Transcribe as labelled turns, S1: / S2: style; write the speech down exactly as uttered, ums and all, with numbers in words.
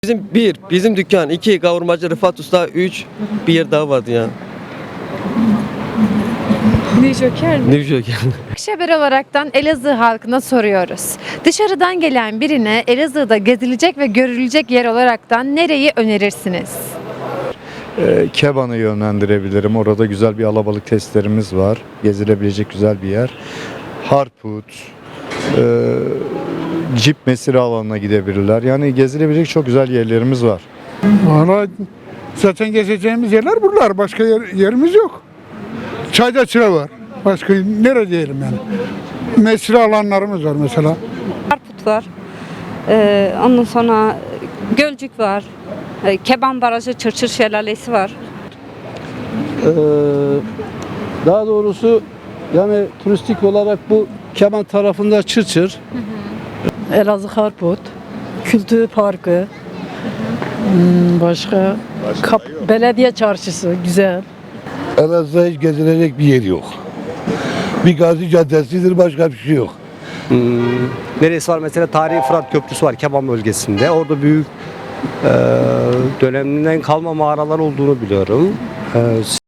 S1: Bizim bir, bizim dükkan, iki kavurmacı Rıfat Usta, üç bir yer daha vardı ya.
S2: Ne Joker mi?
S1: Ne bir şey yani.
S2: Akşeber olaraktan Elazığ halkına soruyoruz. Dışarıdan gelen birine Elazığ'da gezilecek ve görülecek yer olaraktan nereyi önerirsiniz?
S3: Ee, Keban'ı yönlendirebilirim. Orada güzel bir alabalık testlerimiz var. Gezilebilecek güzel bir yer. Harput, e, Cip Mesire alanına gidebilirler. Yani gezilebilecek çok güzel yerlerimiz var.
S4: Valla zaten gezeceğimiz yerler buralar. Başka yer, yerimiz yok. Çayda çıra var. Başka nerede diyelim yani. Mesire alanlarımız var mesela.
S5: Harput var. Ee, ondan sonra Gölcük var. Ee, Keban Barajı, Çırçır Şelalesi var.
S6: Ee, daha doğrusu yani turistik olarak bu Keban tarafında Çırçır.
S7: Elazığ Harput, Kültür Parkı, hmm, başka, Kap- Belediye Çarşısı güzel.
S8: Elazığ'da hiç gezilecek bir yer yok. Bir Gazi Caddesi'dir, başka bir şey yok.
S9: Hmm, neresi var? Mesela Tarihi Fırat Köprüsü var Keban bölgesinde. Orada büyük e, döneminden kalma mağaralar olduğunu biliyorum. E,